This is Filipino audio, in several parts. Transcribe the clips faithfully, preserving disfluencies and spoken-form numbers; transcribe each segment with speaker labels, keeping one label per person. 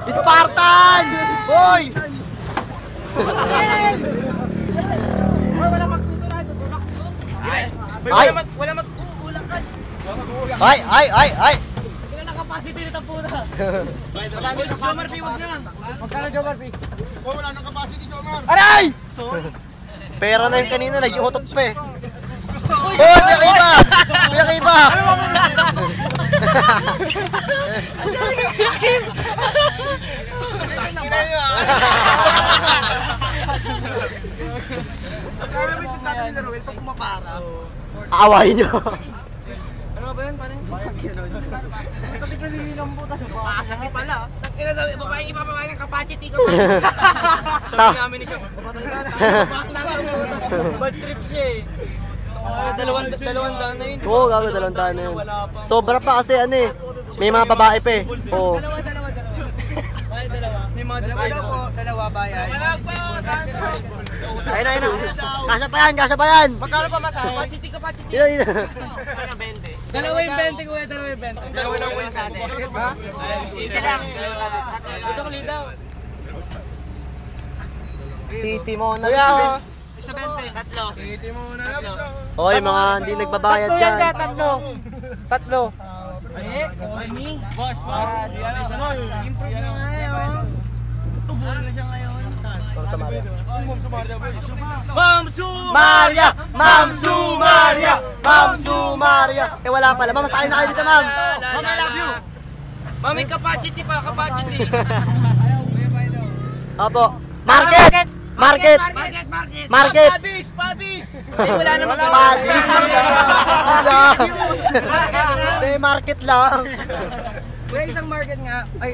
Speaker 1: Spartan! Boy! Ay!
Speaker 2: Wala mag-uulakan.
Speaker 1: Ay! Ay! Ay! Ay!
Speaker 2: Wala na capacity nito po na. Jomar P, wag na lang.
Speaker 3: Magkano Jomar P?
Speaker 4: Wala nang capacity, Jomar.
Speaker 1: Aray! Pera na yung kanina, nag-iutot pa eh. Oh, pinakaiba! Pinakaiba! Aawahin nyo.
Speaker 2: Ano ba yun? Paano yun? Katigalihin ang butas. Pasakit pala. Kaya sabi, babaeng ipapabayan ng capacity ko. Sabi namin ni siya, bad trip siya eh. Dalawang dalawang daan na yun.
Speaker 1: Oo, gago, dalawang daan na yun. Sobra pa kasi ano eh. May mga babae pa eh. Oo.
Speaker 2: Dalawa, dalawa, dalawa. Bakit dalawa? May mga
Speaker 3: Dalawa daw po, dalawa bayan.
Speaker 2: Wala pa!
Speaker 1: Ayun na, ayun na. Kasya pa yan, kasya pa yan.
Speaker 3: Magkano pa masahe?
Speaker 2: Capacity, capacity.
Speaker 1: Yun, yun.
Speaker 2: Dalawa yung bente ko eh, dalawa yung bente.
Speaker 3: Dalawa daw po sa atin. Ha?
Speaker 2: Isa lang. Gusto ko lidaw.
Speaker 1: Titi mo na.
Speaker 3: Kuya, oh. Isa bente.
Speaker 2: Tatlo.
Speaker 4: Iti mo na lang.
Speaker 1: Oy, mga hindi nagbabayad
Speaker 3: Tatlo yan
Speaker 1: dyan.
Speaker 3: dyan, tatlo. Tatlo.
Speaker 2: Eh, Corny. Boss, boss. Improve na nga yun. Tubo na siya ngayon.
Speaker 1: Ma'am Sumaria.
Speaker 2: Ma'am Su!
Speaker 1: Maria! Ma'am Sumaria! Ma'am Sumaria! Eh wala pala. Ma'am, sa'yo na kayo dito, ma'am.
Speaker 2: Ma'am, I love you! Ma'am, may capacity pa, capacity.
Speaker 1: Opo. Market! Market!
Speaker 2: Market, market!
Speaker 1: Market!
Speaker 2: Padis, padis! Eh, wala naman.
Speaker 1: Padis! Ano? Hindi, market lang.
Speaker 3: Kuya, isang market nga. Ay,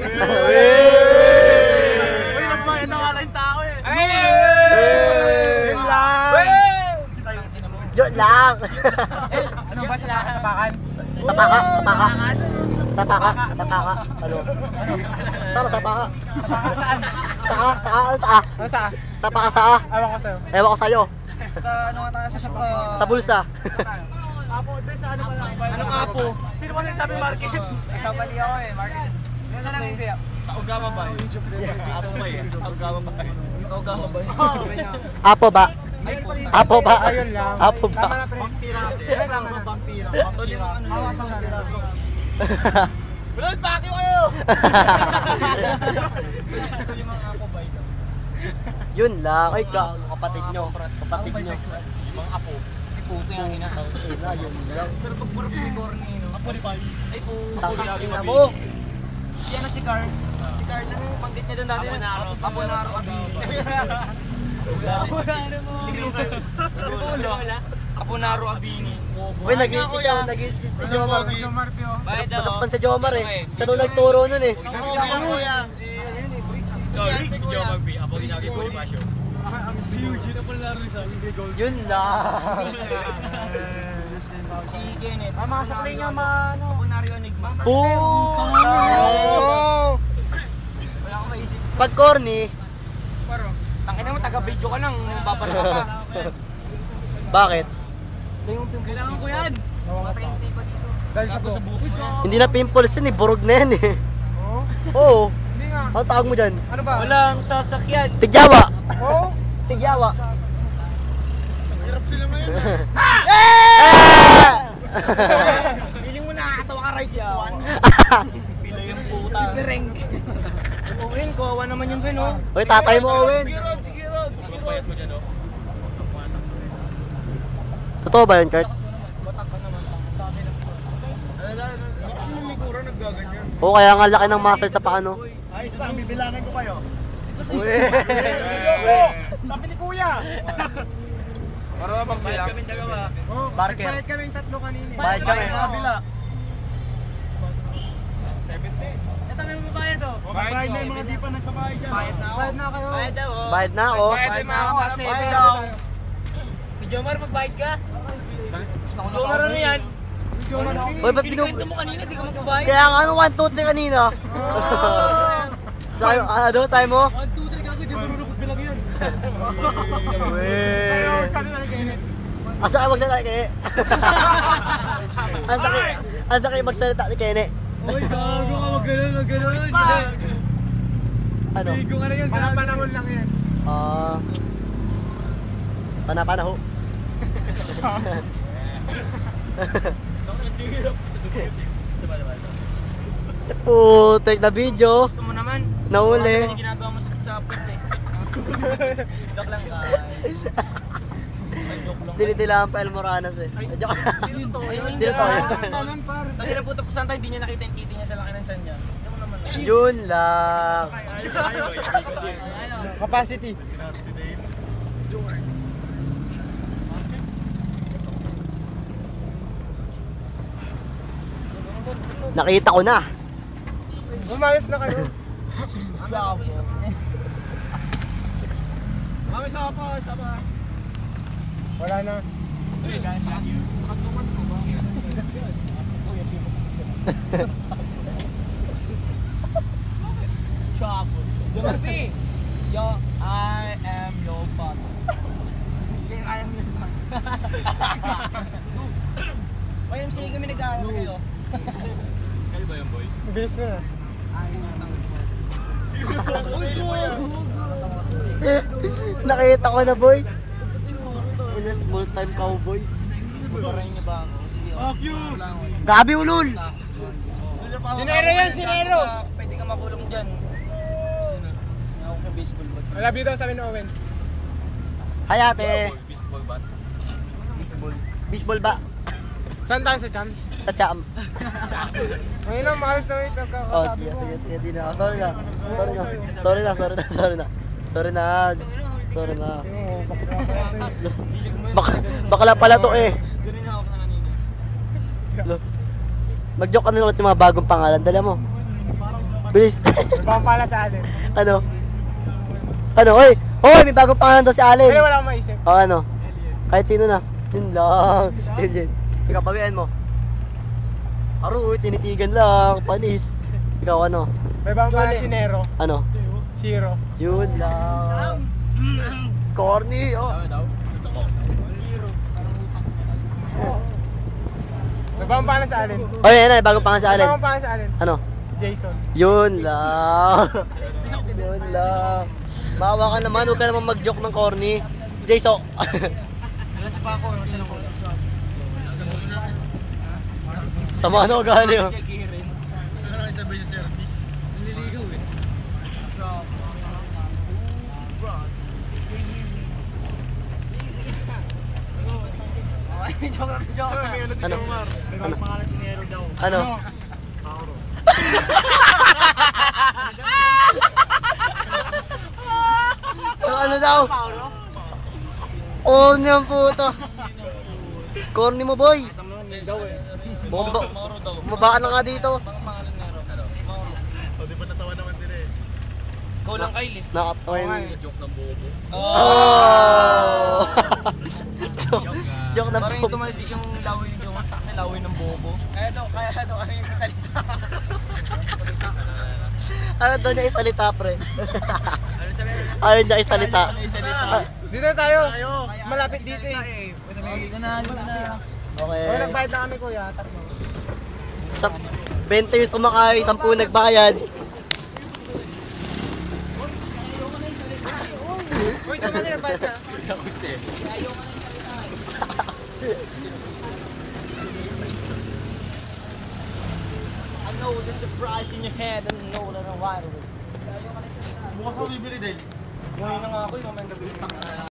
Speaker 1: Uy,
Speaker 2: nagbayad na nga lang yung tao eh. Ay!
Speaker 1: Yun lang. Yun lang.
Speaker 3: ano ba sila sa bakan?
Speaker 1: Sa paka, sa paka. Sa paka, sa paka. Ano? Tara, sa paka.
Speaker 3: Saan?
Speaker 1: Sa ka, sa ka, sa
Speaker 3: Ano sa?
Speaker 1: Sa paka, sa ka.
Speaker 3: Ewan ko sa'yo.
Speaker 1: Ewan ko sa'yo.
Speaker 3: Sa ano nga tayo? Sa uh,
Speaker 1: Sa bulsa.
Speaker 3: Apo, doon sa ano pala?
Speaker 2: Anong apo?
Speaker 3: Sino ba nagsabi market? Nagkamali ako eh, market. Isa lang yung kuya.
Speaker 2: Taugama ba? Apo ba eh? Taugama ba eh? Taugama ba eh?
Speaker 1: Apo ba? Apo ba?
Speaker 3: Ayun lang.
Speaker 1: Apo ba?
Speaker 3: Tama na pre. Vampira kasi. Tama na. Vampira. Vampira. Hawa sa sarila.
Speaker 2: Blood, paki kayo! Yung mga apo ba ito?
Speaker 1: Yun lang. Ay, ka, kapatid nyo. Kapatid nyo.
Speaker 2: Mga apo. Puto yung ina.
Speaker 1: Ina, yun lang.
Speaker 2: Sir, pagparap ni Corny, no? Apo ni Pai. Ay po.
Speaker 1: Tangkang ina mo.
Speaker 2: Si ano si Carl? Si Carl lang yung panggit niya doon dati. Aponaro. Aponaro. Aponaro mo. Aponaro Abini.
Speaker 1: Uy, nag-iintis siya. Nag-iintis si Jomar.
Speaker 3: Jomar P O.
Speaker 1: Masakpan si Jomar eh. Siya nung nagturo nun eh.
Speaker 4: Si Kuya. Si ano yun eh, Briggs.
Speaker 2: Si Jomar B. Apo din sabi ko ni Basyo.
Speaker 3: Si Eugene na pala laro sa Grey Gold.
Speaker 1: Yun lang.
Speaker 2: Si Kenneth.
Speaker 3: Ah, mga sakli nga mga ano.
Speaker 2: Aponario Enigma.
Speaker 1: Boom!
Speaker 2: Wala akong maisip.
Speaker 1: Pag corny,
Speaker 2: Tangina mo, taga-video ka lang. Babara ka pa.
Speaker 1: bakit?
Speaker 2: Kailangan ko yan. Matayin pa dito.
Speaker 3: Dahil sa
Speaker 2: Sa bukid ko.
Speaker 1: Hindi na pimples yun eh. Burog na yan eh.
Speaker 3: Oo?
Speaker 1: Oo.
Speaker 3: Hindi nga.
Speaker 1: Ano tawag mo dyan?
Speaker 3: Ano ba?
Speaker 2: Walang sasakyan.
Speaker 1: Tigyawa.
Speaker 3: Oo?
Speaker 1: Tigyawa.
Speaker 4: Hirap sila ngayon.
Speaker 2: Feeling mo nakakatawa ka right this one. Pila yung puta. Si Bereng. Owen, kawawa naman yun, Ben, oh.
Speaker 1: Uy, tatay mo, Owen.
Speaker 2: Sige, Rob, sige, Rob. Pagpapayat mo dyan, oh.
Speaker 1: Totoo ba yun, Kurt?
Speaker 4: Kasi yung Migura naggaganyan.
Speaker 1: Oo, kaya nga laki ng muscle sa paano.
Speaker 4: Ayos lang, bibilangin ko kayo.
Speaker 1: Uy.
Speaker 4: Seryoso! Sabi ni Kuya!
Speaker 2: Para bang sila? Kami tiyaga ba?
Speaker 4: Oh,
Speaker 1: Barker.
Speaker 4: nagbayad kaming tatlo kanina.
Speaker 1: Bayad kami.
Speaker 4: Sa kabila. seventy.
Speaker 2: Sa tabi mo bayad, oh.
Speaker 4: O, bayad na yung mga di pa nagbabayad dyan.
Speaker 3: Bayad na ako. Bayad na kayo.
Speaker 2: Bayad daw, oh.
Speaker 1: Bayad na ako.
Speaker 2: Bayad na ako, kasi
Speaker 3: Bayad
Speaker 2: bayad
Speaker 3: daw.
Speaker 2: daw. Si Jomar, magbayad ka? Jomar, ano yan?
Speaker 1: Uy, ba't
Speaker 2: Kinikwento
Speaker 1: pinug...
Speaker 2: mo kanina, di ka magbabayad.
Speaker 1: Kaya nga ano, one, two, three kanina. Sayo, ano, sayo mo?
Speaker 2: one, two, three, gago, di marunong magbilang yan.
Speaker 1: Uy.
Speaker 3: Saan na nag-init?
Speaker 1: Asa ka magsalita ni Kene? Asa ka, asa kayo magsalita ni Kene?
Speaker 2: Uy, gago ka, wag ganun, wag ganun.
Speaker 1: Ano?
Speaker 4: Bigo ka na yun. Panapanahon lang yan.
Speaker 1: Ah. Pana-panaho. Putek na video.
Speaker 2: Gusto mo naman.
Speaker 1: Nahuli.
Speaker 2: Ano yung ginagawa mo sa, sa punt eh. Joke lang guys. Ay, joke lang.
Speaker 1: Dinitilaan pa El Moranas eh. Joke.
Speaker 2: Ayun
Speaker 1: Dito tayo.
Speaker 4: Tanan par.
Speaker 2: Pag inapunta po saan tayo, hindi niya nakita yung titi niya sa laki ng tiyan niya. Tignan mo naman.
Speaker 1: Yun lang.
Speaker 4: Capacity.
Speaker 1: Nakita ko na.
Speaker 4: Umayos na kayo.
Speaker 2: Bravo.
Speaker 4: Mami, sama pa, sama. Wala na.
Speaker 2: Bravo. Jomarpi. Yo, I am your father.
Speaker 3: Yung I am your man.
Speaker 2: Y M C A kami nag-aaral kayo.
Speaker 4: Bilis na.
Speaker 1: Nakita ko na boy. Ina small time cowboy.
Speaker 2: Parayin niya ba ako? Sige.
Speaker 4: Fuck you!
Speaker 1: Gabi ulul.
Speaker 4: Sinero yan, sinero!
Speaker 2: Pwede ka makulong dyan. Ako ka baseball bat.
Speaker 4: I love you daw sabi ni Owen.
Speaker 1: Hi ate.
Speaker 2: Baseball bat?
Speaker 1: Baseball. Baseball ba?
Speaker 4: Saan tayo sa chance?
Speaker 1: Sa cham.
Speaker 4: Ngayon lang, maayos na wait.
Speaker 1: Oh,
Speaker 4: Pagkakasabi
Speaker 1: sige,
Speaker 4: ko.
Speaker 1: sige, sige, di na. ako. Sorry na. Sorry na. Sorry na, sorry na, sorry na. Sorry na. Sorry na.
Speaker 4: Oo, bakit na pala ito eh.
Speaker 1: Bak bakla pala to eh.
Speaker 2: Ganun na ako na kanina.
Speaker 1: Lo. Mag-joke ka na ulit yung mga bagong pangalan. Dala mo. Bilis.
Speaker 4: May bang pala sa alin.
Speaker 1: Ano? Ano? Oy! Oy! May bagong pangalan daw si Allen.
Speaker 4: Pero wala akong maisip.
Speaker 1: O ano? Kahit sino na. Yun lang. Yun yun. Ikaw, pawian mo. Aro, tinitigan lang. Panis. Ikaw ano?
Speaker 4: May bang pala si Nero.
Speaker 1: Ano?
Speaker 4: Zero.
Speaker 1: Yun lang. Corny. Oh.
Speaker 4: May bang pala sa alin.
Speaker 1: Oy, yan na. Bagong pangalan si
Speaker 4: May
Speaker 1: Allen.
Speaker 4: bang pala sa alin.
Speaker 1: Ano?
Speaker 4: Jason.
Speaker 1: Yun lang. Yun lang. Maawa ka naman. Huwag ka naman mag-joke ng corny. Jayso.
Speaker 2: Wala si Paco. Wala siya ako.
Speaker 1: Sama ano ugali oh.
Speaker 2: Gigirin. Ano lang sabi niya service? Nililigaw eh. Job. Bros. Ay, joke lang, joke lang.
Speaker 1: Ano?
Speaker 4: May bang pangalan si Nero daw.
Speaker 1: Ano?
Speaker 4: Pauro.
Speaker 1: Ano, ano daw? Oh, niyang puta. Corny mo boy. Bumaba,
Speaker 2: Mauro daw.
Speaker 1: bumabaan na nga dito.
Speaker 2: Baka pangalan Nero. Mauro.
Speaker 4: O, di ba natawa naman sila eh.
Speaker 2: Ikaw lang, Kyle eh.
Speaker 1: Nakatoy.
Speaker 2: Joke ng bobo.
Speaker 1: Oh! joke, joke na
Speaker 2: Parang
Speaker 1: po.
Speaker 2: ito man si yung laway ni Jowa. Takna laway ng bobo.
Speaker 3: Kaya ito, kaya ito, ano yung kasalita?
Speaker 1: Ano daw niya isalita, pre? Ayaw niya isalita. Ah,
Speaker 4: Dito na tayo. Mas malapit dito eh.
Speaker 3: Dito na, dito na.
Speaker 1: Okay.
Speaker 4: So, nagbayad na kami kuya. Tatlo.
Speaker 1: Sa twenty yung sumakay, sampu nagbayad.
Speaker 4: Uy, tama na yung bayad ka.
Speaker 2: I know the surprise in your head and know that I'm wild.
Speaker 4: Bukas ako bibili din.
Speaker 2: Ngayon na nga ako, yung mamaya gabi.